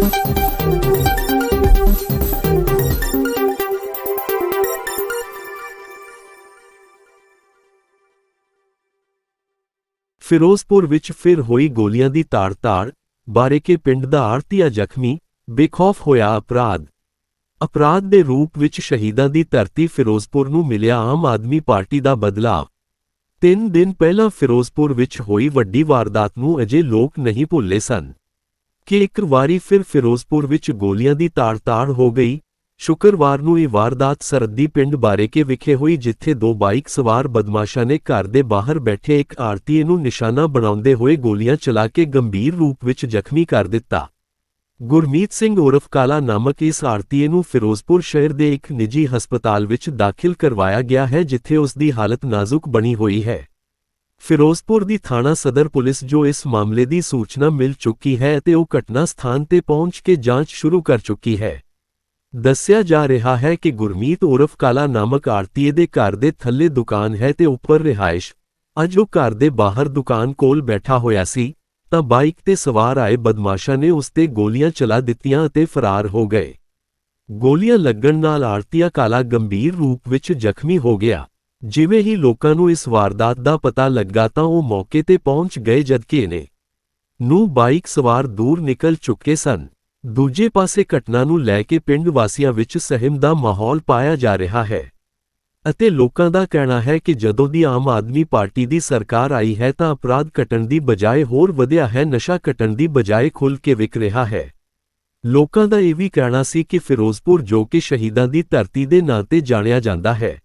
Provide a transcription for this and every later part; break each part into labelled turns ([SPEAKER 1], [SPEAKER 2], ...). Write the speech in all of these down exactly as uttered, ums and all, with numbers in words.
[SPEAKER 1] ਫਿਰੋਜ਼ਪੁਰ ਵਿੱਚ ਫਿਰ ਹੋਈ ਗੋਲੀਆਂ ਦੀ ਤਾੜ-ਤਾੜ, ਬਾਰੇਕੇ ਪਿੰਡ ਦਾ ਆੜ੍ਹਤੀਆ ਜ਼ਖਮੀ, ਬੇਖੌਫ ਹੋਇਆ ਅਪਰਾਧ। ਅਪਰਾਧ ਦੇ ਰੂਪ ਵਿੱਚ ਸ਼ਹੀਦਾਂ ਦੀ ਧਰਤੀ ਫਿਰੋਜ਼ਪੁਰ ਨੂੰ ਮਿਲਿਆ ਆਮ ਆਦਮੀ ਪਾਰਟੀ ਦਾ ਬਦਲਾਅ। ਤਿੰਨ ਦਿਨ ਪਹਿਲਾਂ ਫਿਰੋਜ਼ਪੁਰ ਵਿੱਚ ਹੋਈ ਵੱਡੀ ਵਾਰਦਾਤ ਨੂੰ ਅਜੇ ਲੋਕ ਨਹੀਂ ਭੁੱਲੇ ਸਨ ਕਿ ਇੱਕ ਵਾਰੀ ਫਿਰ ਫਿਰੋਜ਼ਪੁਰ ਵਿੱਚ ਗੋਲੀਆਂ ਦੀ ਤਾੜ-ਤਾੜ ਹੋ ਗਈ। ਸ਼ੁੱਕਰਵਾਰ ਨੂੰ ਇਹ ਵਾਰਦਾਤ ਸਰਹੱਦੀ ਪਿੰਡ ਬਾਰੇਕੇ ਵਿਖੇ ਹੋਈ, ਜਿੱਥੇ ਦੋ ਬਾਈਕ ਸਵਾਰ ਬਦਮਾਸ਼ਾਂ ਨੇ ਘਰ ਦੇ ਬਾਹਰ ਬੈਠੇ ਇੱਕ ਆੜ੍ਹਤੀਏ ਨੂੰ ਨਿਸ਼ਾਨਾ ਬਣਾਉਂਦੇ ਹੋਏ ਗੋਲੀਆਂ ਚਲਾ ਕੇ ਗੰਭੀਰ ਰੂਪ ਵਿੱਚ ਜ਼ਖਮੀ ਕਰ ਦਿੱਤਾ। ਗੁਰਮੀਤ ਸਿੰਘ ਉਰਫ ਕਾਲਾ ਨਾਮਕ ਇਸ ਆੜ੍ਹਤੀਏ ਨੂੰ ਫਿਰੋਜ਼ਪੁਰ ਸ਼ਹਿਰ ਦੇ ਇੱਕ ਨਿੱਜੀ ਹਸਪਤਾਲ ਵਿੱਚ ਦਾਖਲ ਕਰਵਾਇਆ ਗਿਆ ਹੈ, ਜਿੱਥੇ ਉਸ ਦੀ ਹਾਲਤ ਨਾਜ਼ੁਕ ਬਣੀ ਹੋਈ ਹੈ। ਫਿਰੋਜ਼ਪੁਰ ਦੀ ਥਾਣਾ ਸਦਰ ਪੁਲਿਸ ਜੋ ਇਸ ਮਾਮਲੇ ਦੀ ਸੂਚਨਾ ਮਿਲ ਚੁੱਕੀ ਹੈ ਅਤੇ ਉਹ ਘਟਨਾ ਸਥਾਨ ਤੇ ਪਹੁੰਚ ਕੇ ਜਾਂਚ ਸ਼ੁਰੂ ਕਰ ਚੁੱਕੀ ਹੈ। ਦੱਸਿਆ ਜਾ ਰਿਹਾ ਹੈ ਕਿ ਗੁਰਮੀਤ ਉਰਫ ਕਾਲਾ ਨਾਮਕ ਆੜ੍ਹਤੀਏ ਦੇ ਘਰ ਦੇ ਥੱਲੇ ਦੁਕਾਨ ਹੈ ਤੇ ਉੱਪਰ ਰਿਹਾਇਸ਼। ਅੱਜ ਉਹ ਘਰ ਦੇ ਬਾਹਰ ਦੁਕਾਨ ਕੋਲ ਬੈਠਾ ਹੋਇਆ ਸੀ ਤਾਂ ਬਾਈਕ ਤੇ ਸਵਾਰ ਆਏ ਬਦਮਾਸ਼ਾਂ ਨੇ ਉਸ ਤੇ ਗੋਲੀਆਂ ਚਲਾ ਦਿੱਤੀਆਂ ਅਤੇ ਫਰਾਰ ਹੋ ਗਏ। ਗੋਲੀਆਂ ਲੱਗਣ ਨਾਲ ਆੜ੍ਹਤੀਆ ਕਾਲਾ ਗੰਭੀਰ ਰੂਪ ਵਿੱਚ ਜ਼ਖਮੀ ਹੋ ਗਿਆ। ਜਿਵੇਂ ਹੀ ਲੋਕਾਂ ਨੂੰ ਇਸ ਵਾਰਦਾਤ ਦਾ ਪਤਾ ਲੱਗਾ ਤਾਂ ਉਹ ਮੌਕੇ ਤੇ ਪਹੁੰਚ ਗਏ, ਜਦਕਿ ਇਹਨੇ ਨੂੰ ਬਾਈਕ ਸਵਾਰ ਦੂਰ ਨਿਕਲ ਚੁੱਕੇ ਸਨ। ਦੂਜੇ ਪਾਸੇ ਘਟਨਾ ਨੂੰ ਲੈ ਕੇ ਪਿੰਡ ਵਾਸੀਆਂ ਵਿੱਚ ਸਹਿਮ ਦਾ ਮਾਹੌਲ ਪਾਇਆ ਜਾ ਰਿਹਾ ਹੈ ਅਤੇ ਲੋਕਾਂ ਦਾ ਕਹਿਣਾ ਹੈ ਕਿ ਜਦੋਂ ਦੀ ਆਮ ਆਦਮੀ ਪਾਰਟੀ ਦੀ ਸਰਕਾਰ ਆਈ ਹੈ ਤਾਂ ਅਪਰਾਧ ਘਟਣ ਦੀ ਬਜਾਏ ਹੋਰ ਵਧਿਆ ਹੈ, ਨਸ਼ਾ ਘਟਣ ਦੀ ਬਜਾਏ ਖੁੱਲ੍ਹ ਕੇ ਵਿਕ ਰਿਹਾ ਹੈ। ਲੋਕਾਂ ਦਾ ਇਹ ਵੀ ਕਹਿਣਾ ਸੀ ਕਿ ਫਿਰੋਜ਼ਪੁਰ ਜੋ ਕਿ ਸ਼ਹੀਦਾਂ ਦੀ ਧਰਤੀ ਦੇ ਨਾਂ ਤੇ ਜਾਣਿਆ ਜਾਂਦਾ ਹੈ,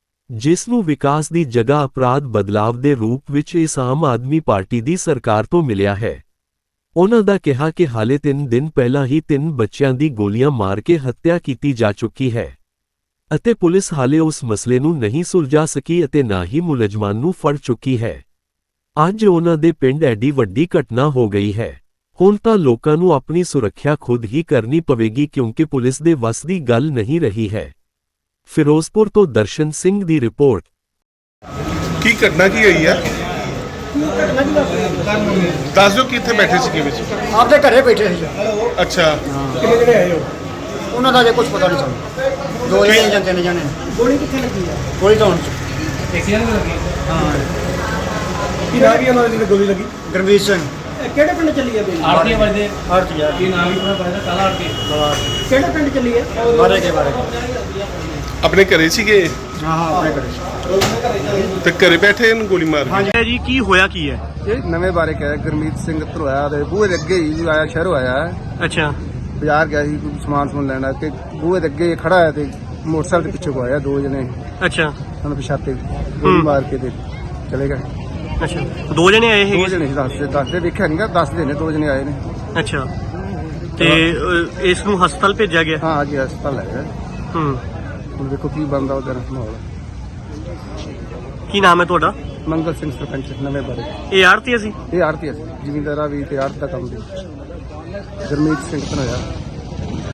[SPEAKER 1] ਜਿਸ ਨੂੰ ਵਿਕਾਸ ਦੀ ਜਗ੍ਹਾ ਅਪਰਾਧ ਬਦਲਾਵ ਦੇ ਰੂਪ ਵਿੱਚ ਇਸ ਆਮ ਆਦਮੀ ਪਾਰਟੀ ਦੀ ਸਰਕਾਰ ਤੋਂ ਮਿਲਿਆ ਹੈ। ਉਨ੍ਹਾਂ ਦਾ ਕਿਹਾ ਕਿ ਹਾਲੇ ਤਿੰਨ ਦਿਨ ਪਹਿਲਾਂ ਹੀ ਤਿੰਨ ਬੱਚਿਆਂ ਦੀ ਗੋਲੀਆਂ ਮਾਰ ਕੇ ਹੱਤਿਆ ਕੀਤੀ ਜਾ ਚੁੱਕੀ ਹੈ ਅਤੇ ਪੁਲਿਸ ਹਾਲੇ ਉਸ ਮਸਲੇ ਨੂੰ ਨਹੀਂ ਸੁਲਝਾ ਸਕੀ ਅਤੇ ਨਾ ਹੀ ਮੁਲਜ਼ਮਾਨ ਨੂੰ ਫੜ ਚੁੱਕੀ ਹੈ। ਅੱਜ ਉਨ੍ਹਾਂ ਦੇ ਪਿੰਡ ਐਡੀ ਵੱਡੀ ਘਟਨਾ ਹੋ ਗਈ ਹੈ। ਹੁਣ ਤਾਂ ਲੋਕਾਂ ਨੂੰ ਆਪਣੀ ਸੁਰੱਖਿਆ ਖੁਦ ਹੀ ਕਰਨੀ ਪਵੇਗੀ, ਕਿਉਂਕਿ ਪੁਲਿਸ ਦੇ ਵੱਸ ਦੀ ਗੱਲ ਨਹੀਂ ਰਹੀ ਹੈ। ਫਿਰੋਜ਼ਪੁਰ ਤੋਂ ਦਰਸ਼ਨ ਸਿੰਘ ਦੀ ਰਿਪੋਰਟ।
[SPEAKER 2] ਕੀ ਘਟਨਾ ਕੀ ਹੋਈ ਹੈ? ਦੱਸ ਦਿਓ ਕਿੱਥੇ ਬੈਠੇ ਸੀ ਵਿੱਚ?
[SPEAKER 3] ਆਪਦੇ ਘਰੇ ਬੈਠੇ ਸੀ।
[SPEAKER 2] ਅੱਛਾ,
[SPEAKER 3] ਕਿੰਨੇ ਜਿਹੜੇ ਆਏ ਹੋ? ਉਹਨਾਂ ਦਾ ਜੇ ਕੁਝ ਪਤਾ ਨਹੀਂ ਸਾਨੂੰ। ਦੋ ਜਣੇ ਜਾਂ ਤਿੰਨ ਜਣੇ। ਗੋਲੀ ਕਿੱਥੇ ਲੱਗੀ ਆ? ਗੋਲੀ ਤਾਂ ਹੁਣ
[SPEAKER 4] ਏਸੀਆਂ ਨੂੰ ਲੱਗੀ।
[SPEAKER 3] ਹਾਂ।
[SPEAKER 4] ਕੀ ਨਾਮ ਕੀ ਉਹਨਾਂ ਦੀ ਗੋਲੀ ਲੱਗੀ?
[SPEAKER 3] ਗੁਰਮੀਤ ਸਿੰਘ।
[SPEAKER 4] ਕਿਹੜੇ ਪਿੰਡ ਚੱਲੀ ਹੈ? ਆਰਤੀਆ ਵਜਦੇ।
[SPEAKER 3] ਆਰਤੀਆ।
[SPEAKER 4] ਕੀ ਨਾਮ ਹੀ ਪਤਾ ਪਤਾ ਕਾਲਾ ਆਰਤੀ। ਕਿਹੜੇ ਪਿੰਡ ਚੱਲੀ ਹੈ?
[SPEAKER 3] ਬਾਰੇ ਕੇ ਬਾਰੇ।
[SPEAKER 2] ਆਪਣੇ ਘਰੇ ਸੀਗੇ?
[SPEAKER 3] ਹਾਂ ਹਾਂ ਆਪਣੇ ਘਰੇ।
[SPEAKER 2] ਤੇ ਘਰੇ ਬੈਠੇ ਇਹਨੂੰ ਗੋਲੀ ਮਾਰ
[SPEAKER 3] ਹਾਂਜੀ
[SPEAKER 4] ਜੀ, ਕੀ ਹੋਇਆ ਕੀ ਹੈ?
[SPEAKER 5] ਇਹ ਨਵੇਂ ਬਾਰੇ ਕਿਹਾ ਗੁਰਮੀਤ ਸਿੰਘ ਧਰੋਇਆ ਦੇ ਬੂਹੇ ਦੇ ਅੱਗੇ ਹੀ ਆਇਆ, ਸ਼ਹਿਰੋਂ ਆਇਆ।
[SPEAKER 4] ਅੱਛਾ।
[SPEAKER 5] ਬਾਜ਼ਾਰ ਗਿਆ ਸੀ ਕੋਈ ਸਮਾਨ ਸਮੂਨ ਲੈਣਾ ਤੇ ਬੂਹੇ ਦੇ ਅੱਗੇ ਖੜਾ ਹੈ ਤੇ ਮੋਟਰਸਾਈਕਲ ਦੇ ਪਿੱਛੇ ਕੋ ਆਇਆ ਦੋ ਜਣੇ।
[SPEAKER 4] ਅੱਛਾ।
[SPEAKER 5] ਸਾਨੂੰ ਪਛਾਤੇ ਗੋਲੀ ਮਾਰ ਕੇ ਤੇ ਚਲੇ ਗਏ।
[SPEAKER 4] ਅੱਛਾ, ਦੋ ਜਣੇ ਆਏ
[SPEAKER 5] ਦੋ
[SPEAKER 4] ਹੈਗੇ?
[SPEAKER 5] ਜਣੇ ਸੀ, ਦੱਸਦੇ ਦੱਸਦੇ ਵੇਖਿਆ ਨਹੀਂ ਗਾ, ਦੱਸਦੇ ਨੇ ਦੋ ਜਣੇ ਆਏ ਨੇ।
[SPEAKER 4] ਅੱਛਾ, ਤੇ ਅ, ਇਸ ਨੂੰ ਹਸਪਤਾਲ ਭੇਜਿਆ ਗਿਆ?
[SPEAKER 5] ਹਾਂ ਅੱਜ ਹਸਪਤਾਲ ਲੈ ਗਏ।
[SPEAKER 4] ਹੂੰ।
[SPEAKER 5] ਹੁਣ ਦੇਖੋ ਕੀ ਬਣਦਾ ਉਹਦਾ ਮਾਹੌਲ।
[SPEAKER 4] ਕੀ ਨਾਮ ਹੈ ਤੁਹਾਡਾ?
[SPEAKER 5] ਮੰਗਲ ਸਿੰਘ ਸਰਪੰਚ ਨਵੇਂ ਬਾਰੇ।
[SPEAKER 4] ਇਹ ਆੜ੍ਹਤੀਆ ਸੀ?
[SPEAKER 5] ਇਹ ਆੜ੍ਹਤੀਆ ਸੀ, ਜ਼ਿਮੀਂਦਾਰਾਂ ਵੀ ਤੇ ਆੜ੍ਹਤ ਦਾ ਕੰਮ ਵੀ। ਗੁਰਮੀਤ ਸਿੰਘ ਧਰੋਇਆ।